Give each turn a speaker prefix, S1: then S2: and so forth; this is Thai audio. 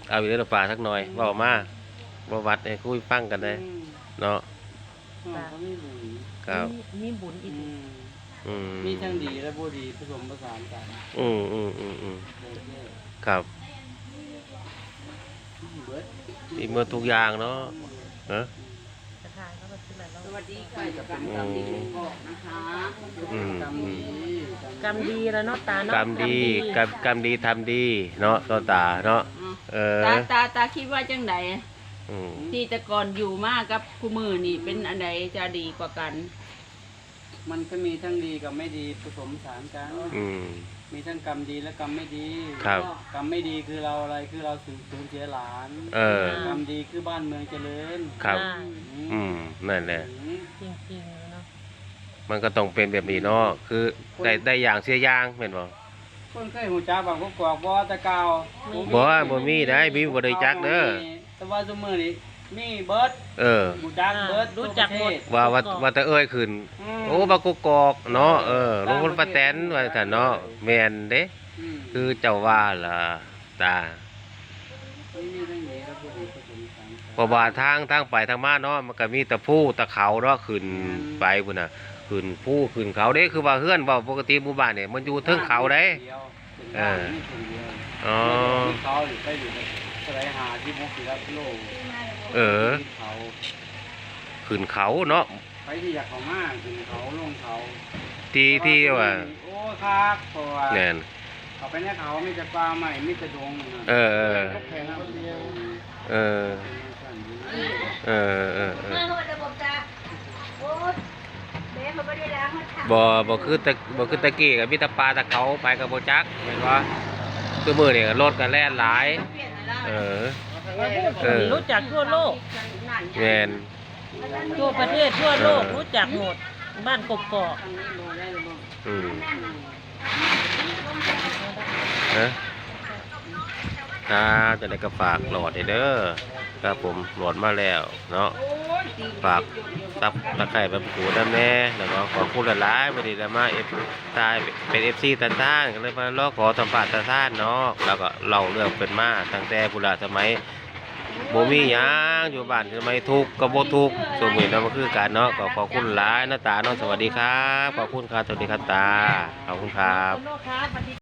S1: เอาอยู่ในป่าสักหน่อยเว้ามาบ่วัดให้คุยฟังกันได้เนาะ
S2: เขาไม่บุญ
S1: ครับ
S3: มีบุญอีก
S2: มีทั้งดีและบ่ดีผสมผสานกัน
S1: ครับมีหมดทุกอย่างเนาะฮะ
S3: สวัสดีค่ะ
S2: กรรมดีนะคะ
S3: กรรมดีแล้วเนาะตาเนาะ
S1: กรรมดีกรรมดีทำดีเนาะตาเนาะ
S4: ตาคิดว่าจังไดที่แต่ก่อนอยู่มากกับคู่มือนี่เป็นอันใดจะดีกว่ากัน
S2: มันก็มีทั้งดีกับไม่ดีผสมผสานกันมีทั้งกรรมดีและกรรมไม่ดีกรรมไม่ดีคือเราอะไรคือเราสูญเสียหลานกรรมดีคือบ้านเมืองเจริญ
S1: ครับนั่นแหละ
S3: จริงๆเนาะ
S1: มันก็ต้องเป็นแบบนี้เนาะคือได้อย่างเสียอย่างแม่นบ่
S2: คนเคยหูจักบางพวกกอกบ่ตะกาว
S1: บ่มีได้มีบ่ได้จักเด้อ
S2: แต่ว่าซุมื้อนี้มีเบิดหูจักเบิด
S3: รู้จักหมด
S1: ว่าแต่เอ้ยขึ้นโอ้บักกอกเนาะลงคนป้าแตนว่าซั่นเนาะแม่นเด้คือเจ้าว่าล่ะตาเพราะว่าทางไปทางมาเนาะมันก็มีแต่ภูตะเขาเนาะขึ้นไปพุ่นน่ะขึ้นภูขึ้นเขาเด้คือว่าเฮือนว่าปกติหมู่บ้านเนี่ยมันอยู่เทิงเขาเด้
S2: อ๋อเขาไปอยู่สไลหาที่มุกศิลป์โล
S1: ขึ้นเขาเนาะ
S2: ไปที่อยากเขามากขึ้นเขาลงเขา
S1: ที่ว่า
S2: โอ้คักเพราะว่า
S1: แน่น
S2: เขาไปในเขามีแต่ปลาใหม่มีแต่ดง
S1: บ่คือตะกี้กับมีแต่ปลาตะเขาไปกับโบจักเห็นว่าตัวมือเนี่ยรถกันแล่นหลาย
S3: รู้จักทั่วโลก
S1: แม่น
S3: ทั่วประเทศทั่วโลกรู้จักหมดบ้านกกอก
S1: จะได้ก็ฝากหลอดเด้อครับผมหลอดมาแล้วเนาะฝากตับตะไคร้แบบกูน้ำแน่แล้วก็ขอพูดหลายๆวันนี้แล้วมาตายเป็นFCตาซ่านกันเลยมาล้อขอสัมภาษณ์ตาซ่านเนาะแล้วก็เล่าเรื่องเป็นมาตั้งแต่โบราณสมัยบ่มีหยังอยู่บ้านสมัยทุกข์ก็บ่ทุกข์สมมุติเนาะมันคือการเนาะก็ขอบคุณหลายนะตาเนาะสวัสดีครับขอบคุณครับสวัสดีครับตาขอบคุณครับ